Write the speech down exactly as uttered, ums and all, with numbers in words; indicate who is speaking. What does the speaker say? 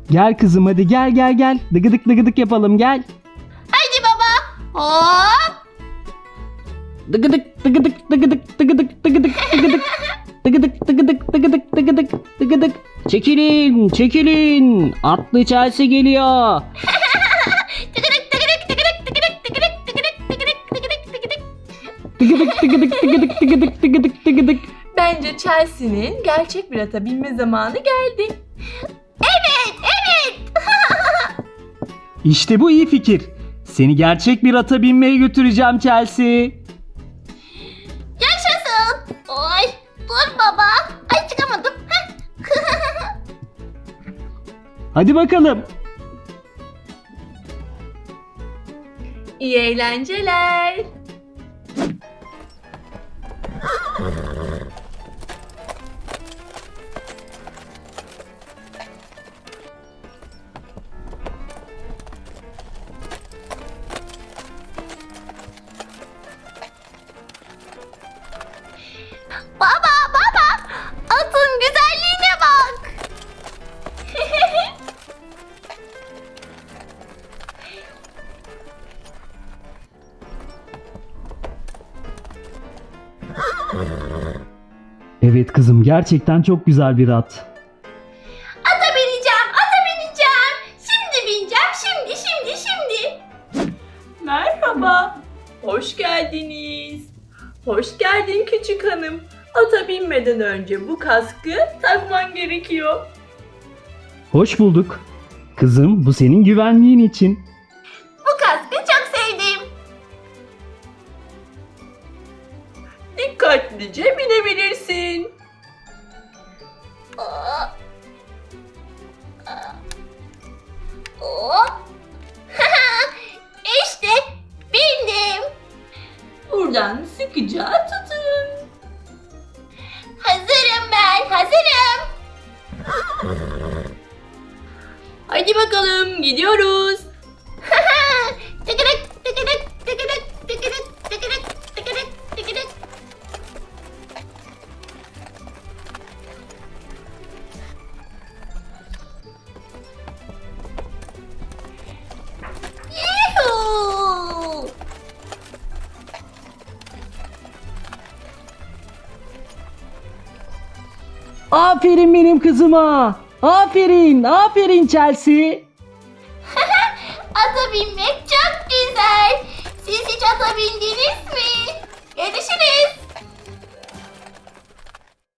Speaker 1: Gel kızım hadi gel gel gel. Dıgıdık dıgıdık yapalım gel.
Speaker 2: Haydi baba. Hop.
Speaker 1: Dıgıdık dıgıdık dıgıdık dıgıdık dıgıdık dıgıdık. Dıgıdık dıgıdık dıgıdık dıgıdık dıgıdık. Çekilin çekilin. Atlı Chelsea geliyor.
Speaker 2: Tıkırık tıkırık tıkırık tıkırık tıkırık tıkırık tıkırık tıkırık tıkırık.
Speaker 1: Dıgıdık dıgıdık dıgıdık dıgıdık dıgıdık dıgıdık.
Speaker 3: Bence Chelsea'nin gerçek bir ata binme zamanı geldi.
Speaker 2: Evet evet.
Speaker 1: İşte bu iyi fikir. Seni gerçek bir ata binmeye götüreceğim Chelsea.
Speaker 2: Yaşasın. Oy. Dur baba. Ay çıkamadım. Heh.
Speaker 1: Hadi bakalım.
Speaker 3: İyi eğlenceler.
Speaker 2: Baba baba. Atın güzelliğine bak.
Speaker 1: Evet kızım gerçekten çok güzel bir at.
Speaker 2: Ata bineceğim. Ata bineceğim. Şimdi bineceğim. Şimdi şimdi şimdi.
Speaker 3: Merhaba. Hoş geldiniz. Hoş geldin küçük hanım. Ata binmeden önce bu kaskı takman gerekiyor.
Speaker 1: Hoş bulduk. Kızım bu senin güvenliğin için.
Speaker 2: Bu kaskı çok sevdim.
Speaker 3: Dikkatlice binebilirsin.
Speaker 2: Hop. Hop. İşte bindim.
Speaker 3: Buradan sıkıca tutun.
Speaker 2: Hazırım ben. Hazırım.
Speaker 3: Hadi bakalım gidiyoruz.
Speaker 2: Tıkırık tıkırık tıkırık tıkırık tıkırık tıkırık tıkırık. Yuhuu.
Speaker 1: Aferin benim kızıma. Aferin, aferin Chelsea.
Speaker 2: Ata binmek çok güzel.